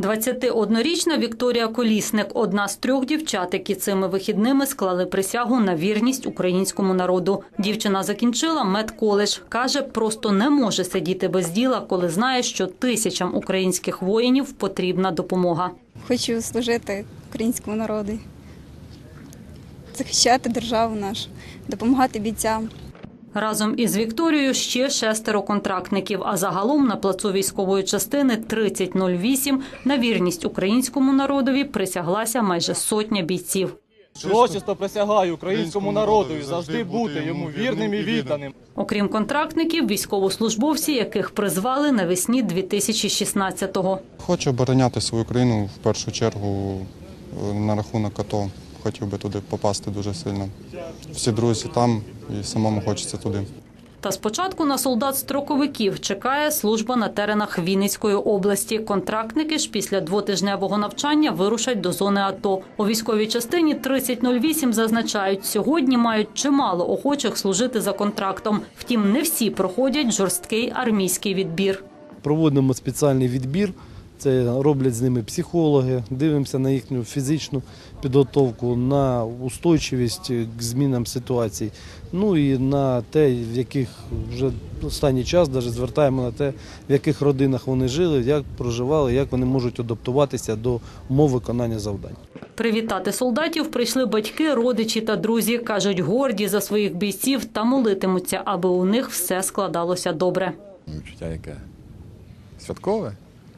21-річна Вікторія Колісник – одна з 3 дівчат, які цими вихідними склали присягу на вірність українському народу. Дівчина закінчила медколедж. Каже, просто не може сидіти без діла, коли знає, що тисячам українських воїнів потрібна допомога. Хочу служити українському народу, захищати державу нашу, допомагати бійцям. Разом із Вікторією ще 6 контрактників, а загалом на плацу військової частини 3008 на вірність українському народові присяглася майже 100 бійців. Урочисто присягаю українському народу і завжди бути йому вірним і відданим. Окрім контрактників, військовослужбовці, яких призвали навесні 2016-го. Хочу обороняти свою країну в першу чергу на рахунок АТО. Хотів би туди попасти дуже сильно. Всі друзі там і самому хочеться туди. Та спочатку на солдат-строковиків чекає служба на теренах Вінницької області. Контрактники ж після 2-тижневого навчання вирушать до зони АТО. У військовій частині 3008 зазначають, сьогодні мають чимало охочих служити за контрактом. Втім, не всі проходять жорсткий армійський відбір. Проводимо спеціальний відбір. Це роблять з ними психологи, дивимося на їхню фізичну підготовку, на устойчивість к змінам ситуацій, ну і на те, в яких вже останній час навіть звертаємо на те, в яких родинах вони жили, як проживали, як вони можуть адаптуватися до умов виконання завдань. Привітати солдатів прийшли батьки, родичі та друзі. Кажуть, горді за своїх бійців та молитимуться, аби у них все складалося добре. Відчуття яке? Святкове.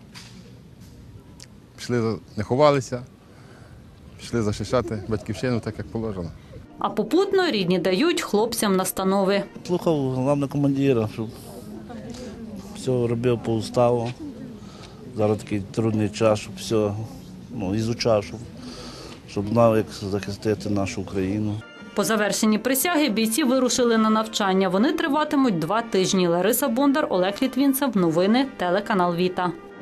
Пішли, не ховалися, пішли захищати батьківщину так, як положено. А попутно рідні дають хлопцям настанови. Слухав головного командира, щоб все робив по уставу. Зараз такий трудний час, щоб все ізучав, щоб знав, як захистити нашу Україну. По завершенні присяги бійці вирушили на навчання. Вони триватимуть 2 тижні. Лариса Бондар, Олег Літвінцев. Новини, телеканал Віта.